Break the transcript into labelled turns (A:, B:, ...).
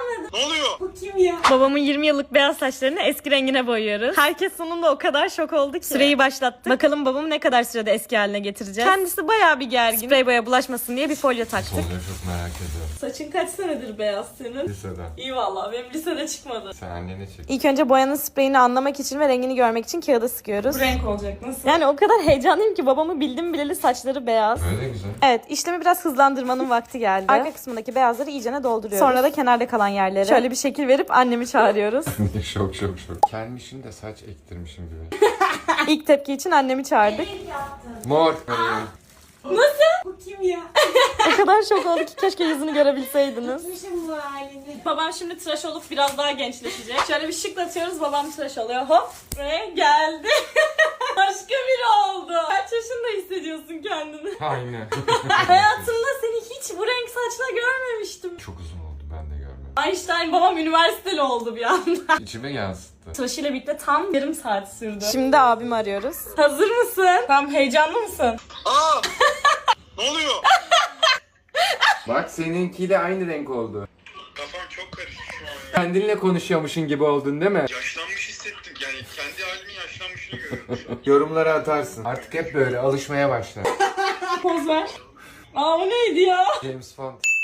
A: anladım.
B: Ne oluyor?
A: Bu kim ya?
C: Babamın 20 yıllık beyaz saçlarını eski rengine boyuyoruz. Herkes sonunda o kadar şok oldu ki. Süreyi başlattık. Bakalım babamı ne kadar sürede eski haline getireceğiz. Kendisi bayağı bir gergin. Sprey boya bulaşmasın diye bir folyo taktık.
B: Oluyor, çok merak ediyorum.
A: Saçın kaç senedir beyaz senin?
B: Liseden.
A: İyi valla benim lisede çıkmadı.
B: Sen annene çek.
C: İlk önce boyanın spreyini anlamak için ve rengini görmek için kağıda sıkıyoruz.
A: Bu renk olacak nasıl?
C: Yani o kadar heyecanlıyım ki babamı bildim bileli saçları beyaz.
B: Öyle güzel.
C: Evet, işlemi biraz hızlandırmanın vakti geldi. Arka kısmındaki beyazları iyicene dolduruyoruz. Sonra da kenarda kalan yerlere şöyle bir şekil verip annemi çağırıyoruz.
B: şok. Kelmişim de saç ektirmişim gibi.
C: İlk tepki için annemi çağırdık.
B: Mor.
A: Bu kim ya?
C: O kadar şok oldu ki keşke yüzünü görebilseydiniz.
A: Gitmişim bu halini.
C: Babam şimdi tıraş olup biraz daha gençleşecek. Şöyle bir şıklatıyoruz, babam tıraş oluyor. Hop ve geldi. Başka biri oldu. Kaç yaşında hissediyorsun kendini?
B: Aynen.
C: Hayatımda seni hiç bu renk saçla görmemiştim.
B: Çok uzun oldu, ben de görmedim.
C: Einstein babam üniversiteli oldu bir anda.
B: İçime yansıttı.
C: Tıraşıyla birlikte tam yarım saat sürdü. Şimdi abimi arıyoruz. Hazır mısın? Tam heyecanlı mısın?
B: Aa! Ne oluyor? Bak seninkiyle aynı renk oldu.
D: Kafam çok karıştı şu an ya.
B: Kendinle konuşuyormuşsun gibi oldun değil mi?
D: Yaşlanmış hissettim. Yani kendi halimin yaşlanmışını görüyorum şu an.
B: Yorumlara atarsın. Artık hep böyle alışmaya başla.
C: Poz ver. Aa o neydi ya?
B: James Bond.